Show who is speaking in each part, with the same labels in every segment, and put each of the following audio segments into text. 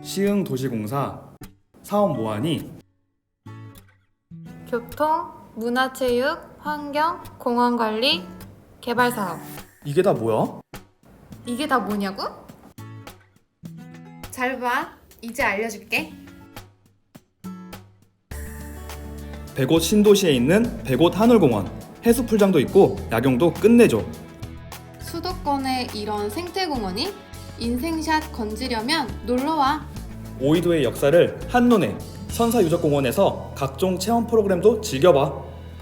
Speaker 1: 시흥도시공사 사업 모안이
Speaker 2: 교통, 문화체육, 환경, 공원관리, 개발사업.
Speaker 1: 이게 다 뭐야?
Speaker 2: 이게 다 뭐냐고? 잘 봐. 이제 알려줄게.
Speaker 1: 백옷 신도시에 있는 백옷 하늘공원 해수풀장도 있고 야경도 끝내줘.
Speaker 2: 수도권에 이런 생태공원이? 인생샷 건지려면 놀러와.
Speaker 1: 오이도의 역사를 한눈에 선사유적공원에서 각종 체험 프로그램도 즐겨봐.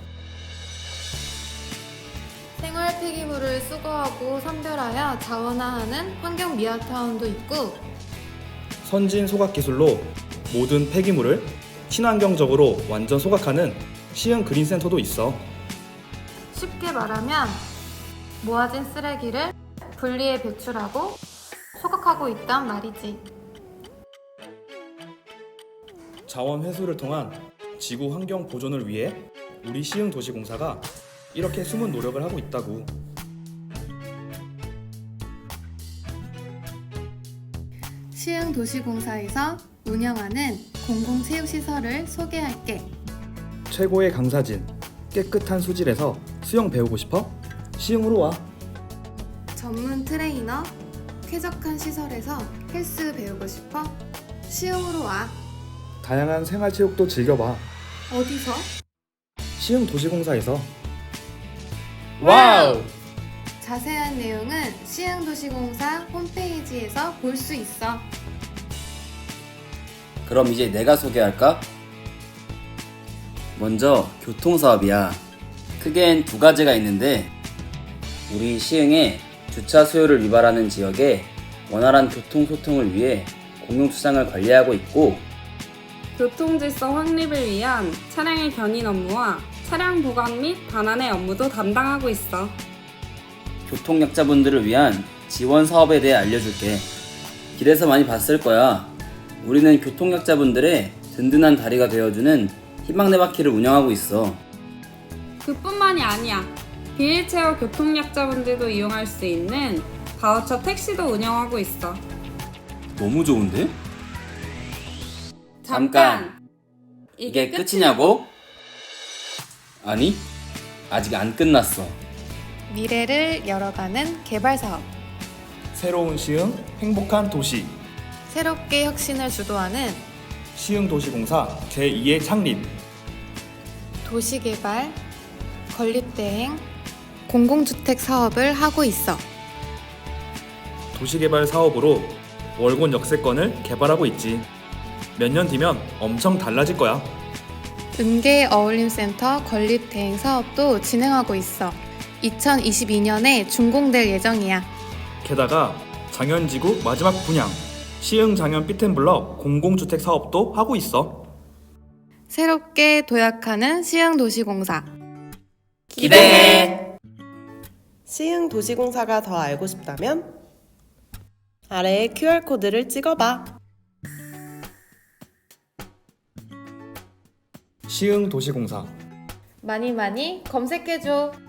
Speaker 2: 생활 폐기물을 수거하고 선별하여 자원화하는 환경 미화타운도 있고,
Speaker 1: 선진 소각 기술로 모든 폐기물을 친환경적으로 완전 소각하는 시흥 그린센터도 있어.
Speaker 2: 쉽게 말하면 모아진 쓰레기를 분리해 배출하고 소각하고 있단 말이지.
Speaker 1: 자원 회수를 통한 지구 환경 보존을 위해 우리 시흥도시공사가 이렇게 숨은 노력을 하고 있다고.
Speaker 2: 시흥도시공사에서 운영하는 공공체육시설을 소개할게.
Speaker 1: 최고의 강사진, 깨끗한 수질에서 수영 배우고 싶어? 시흥으로 와.
Speaker 2: 전문 트레이너, 쾌적한 시설에서 헬스 배우고 싶어? 시흥으로 와.
Speaker 1: 다양한 생활체육도 즐겨봐.
Speaker 2: 어디서?
Speaker 1: 시흥도시공사에서.
Speaker 2: 와우! 자세한 내용은 시흥도시공사 홈페이지에서 볼 수 있어.
Speaker 3: 그럼 이제 내가 소개할까? 먼저 교통사업이야. 크게는 두 가지가 있는데 우리 시흥의 주차 수요를 유발하는 지역에 원활한 교통소통을 위해 공용주차장을 관리하고 있고,
Speaker 4: 교통질서 확립을 위한 차량의 견인 업무와 차량 보관 및 반환의 업무도 담당하고 있어.
Speaker 3: 교통약자분들을 위한 지원 사업에 대해 알려줄게. 길에서 많이 봤을 거야. 우리는 교통약자분들의 든든한 다리가 되어주는 희망네 바퀴를 운영하고 있어.
Speaker 4: 그뿐만이 아니야. 비일체어 교통약자분들도 이용할 수 있는 바우처 택시도 운영하고 있어.
Speaker 3: 너무 좋은데?
Speaker 4: 잠깐!
Speaker 3: 이게 끝이냐고? 아니, 아직 안 끝났어.
Speaker 2: 미래를 열어가는 개발사업.
Speaker 1: 새로운 시흥, 행복한 도시.
Speaker 2: 새롭게 혁신을 주도하는
Speaker 1: 시흥도시공사 제2의 창립.
Speaker 2: 도시개발, 건립대행, 공공주택 사업을 하고 있어.
Speaker 1: 도시개발 사업으로 월곤 역세권을 개발하고 있지. 몇 년 뒤면 엄청 달라질 거야.
Speaker 2: 은계 어울림센터 건립대행 사업도 진행하고 있어. 2022년에 준공될 예정이야.
Speaker 1: 게다가 장현지구 마지막 분양 시흥 장현 피텐블럭 공공주택 사업도 하고 있어.
Speaker 2: 새롭게 도약하는 시흥도시공사.
Speaker 3: 기대해!
Speaker 5: 시흥도시공사가 더 알고 싶다면 아래에 QR코드를 찍어봐.
Speaker 1: 시흥도시공사
Speaker 2: 많이 검색해줘.